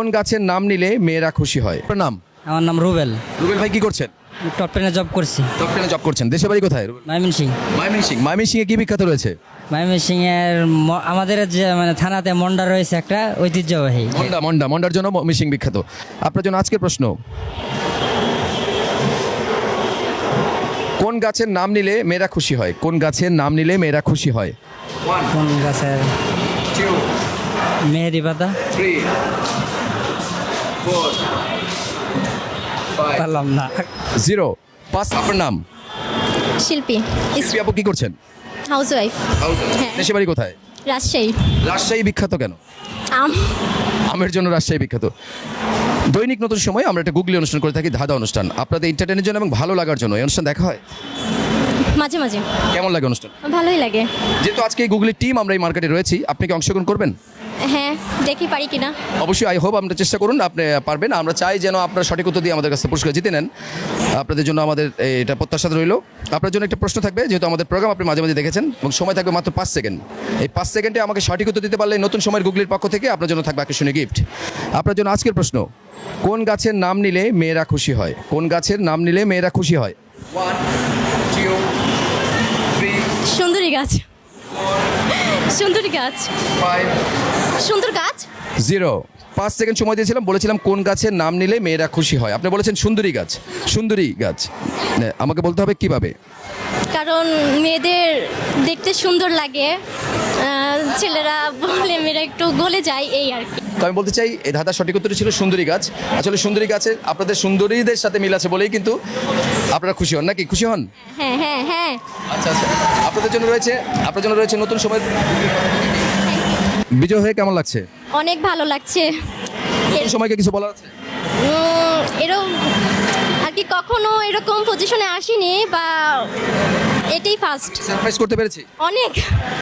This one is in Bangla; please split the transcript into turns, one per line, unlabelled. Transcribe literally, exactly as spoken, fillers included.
গাছের নাম নিলে মেয়েরা খুশি হয়? আপনার নাম?
আমার নাম রুবেল।
রুবেল ভাই কি করছেন?
টপ টেনে জব করছি।
টপ টেনে জব করছেন। দেশের বাড়ি কোথায়?
ময়মনসিং।
ময়মনসিং। ময়মনসিংহে কি বিখ্যাত রয়েছে?
ময়মনসিং এর ম- আমাদের যে মানে থানাতে মন্ডা রয়েছে একটা ঐতিহ্যবাহী।
মন্ডা মন্ডা মন্ডার জন্য ময়মনসিং বিখ্যাত। আপনার জন্য আজকের প্রশ্ন, কোন গাছের নাম নিলে মেয়েরা খুশি হয়? কোন গাছের নাম নিলে মেয়েরা খুশি হয়?
কোন গাছের? মেহেদি পাতা। পারলাম না।
জিরো পাঁচ। আপনার নাম?
শিল্পী,
শিল্পী আপু কি করছেন?
Housewife. হ্যাঁ।
দেশের বাড়ি কোথায়?
রাজশাহী।
রাজশাহী বিখ্যাত কেন?
আম
আমের জন্য রাজশাহী বিখ্যাত। দৈনিক নতুন সময় আমরা একটা গুগলি অনুষ্ঠান করে থাকি, ধাঁধা অনুষ্ঠান। আপনাদের এন্টারটেনের জন্য এবং ভালো লাগার জন্য এই অনুষ্ঠান দেখা হয়।
মাঝে মাঝে
কেমন লাগে অনুষ্ঠান?
ভালোই লাগে।
যেহেতু আজকে এই গুগলি টিম আমরা এই মার্কেটে রয়েছি, আপনি কি অংশগ্রহণ করবেন?
হ্যাঁ, দেখি পারি কিনা।
অবশ্যই, আই হোপ আমরা চেষ্টা করুন, আপনি পারবেন। আমরা চাই যেন আপনারা সঠিক উত্তর দিয়ে আমাদের কাছে পুরস্কার জিতে নেন। আপনাদের জন্য আমাদের এটা প্রত্যাশা রইল। আপনার জন্য একটা প্রশ্ন থাকবে, যেহেতু আমাদের প্রোগ্রাম আপনি মাঝে মাঝে দেখেছেন, এবং সময় থাকবে মাত্র পাঁচ সেকেন্ড। এই পাঁচ সেকেন্ডে আমাকে সঠিক উত্তর দিতে পারলে নতুন সময়ের গুগলির পক্ষ থেকে আপনার জন্য থাকবে আকর্ষণীয় গিফট। আপনার জন্য আজকের প্রশ্ন, কোন গাছের নাম নিলে মেয়েরা খুশি হয়? কোন গাছের নাম নিলে মেয়েরা খুশি হয়?
সুন্দরী গাছ। সুন্দরী গাছ। সুন্দর গাছ।
জিরো। পাঁচ সেকেন্ড সময় দিয়েছিলাম, বলেছিলাম কোন গাছের নাম নিলে মেয়েরা খুশি হয়। আপনি বলেছেন সুন্দরী গাছ। সুন্দরী গাছ, হ্যাঁ, আমাকে বলতে হবে কিভাবে।
কারণ মেয়েদের দেখতে সুন্দর লাগে, আহ, ছেলেরা বলে মেয়েরা একটু গলে যায়, এই আর কি।
তো আমি বলতে চাই এই ধাঁধার সঠিক উত্তরটি ছিল সুন্দরী গাছ। আসলে সুন্দরী গাছের আপনাদের সুন্দরীদের সাথে মিল আছে বলেই কিন্তু আপনারা খুশি হন, নাকি খুশি হন?
হ্যাঁ হ্যাঁ হ্যাঁ।
আচ্ছা আচ্ছা, আপনাদের জন্য রয়েছে আপনার জন্য রয়েছে নতুন সময়। বিজয় হয়ে কেমন লাগছে?
অনেক ভালো লাগছে।
নতুন সময়কে কিছু বলার আছে?
উম, এরকম আর কি কখনো এরকম পজিশনে আসিনি, বা এটাই ফার্স্ট।
সারপ্রাইজ করতে পেরেছি।
অনেক।